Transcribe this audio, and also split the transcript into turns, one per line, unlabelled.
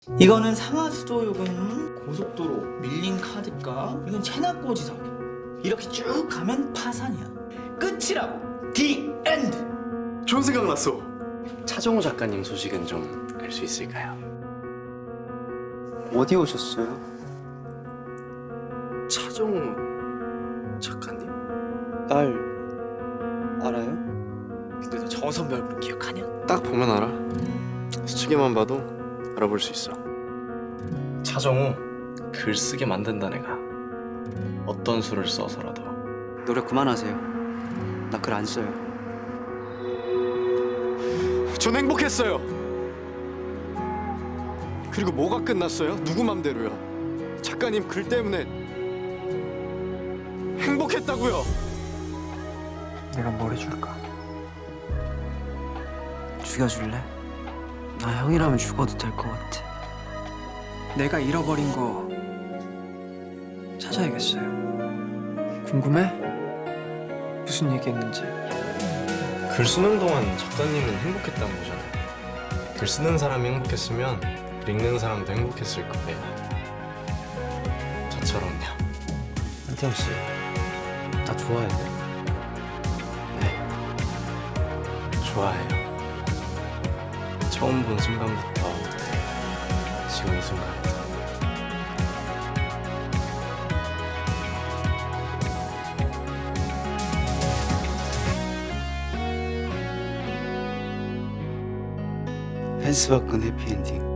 이거는 상하수도, 요거는 고속도로, 밀린 카드값, 이건 체납고지서. 이렇게 쭉 가면 파산이야. 끝이라고. The end.
좋은 생각 났어.
차정우 작가님 소식은 좀 알 수 있을까요?
어디 오셨어요?
차정우 작가님?
딸 알아요?
근데 너 저 선배 얼굴 기억하냐?
딱 보면 알아. 스치기만 봐도 알아볼 수 있어.
차정우 글 쓰게 만든다 내가. 어떤 수를 써서라도.
노력 그만하세요. 나 글 안 써요.
전 행복했어요. 그리고 뭐가 끝났어요? 누구 맘대로요? 작가님 글 때문에 행복했다고요.
내가 뭘 해줄까? 죽여줄래? 나 형이라면 죽어도 될 것 같아. 내가 잃어버린 거 찾아야겠어요. 궁금해? 무슨 얘기했는지.
글 쓰는 동안 작가님은 행복했다는 거잖아요. 글 쓰는 사람이 행복했으면 글 읽는 사람도 행복했을 거예요. 저처럼요. 한태영 씨, 나 좋아해요. 네, 좋아해요. 처음 본 순간부터 지금 이 순간까지.
펜스 바꾼 해피엔딩.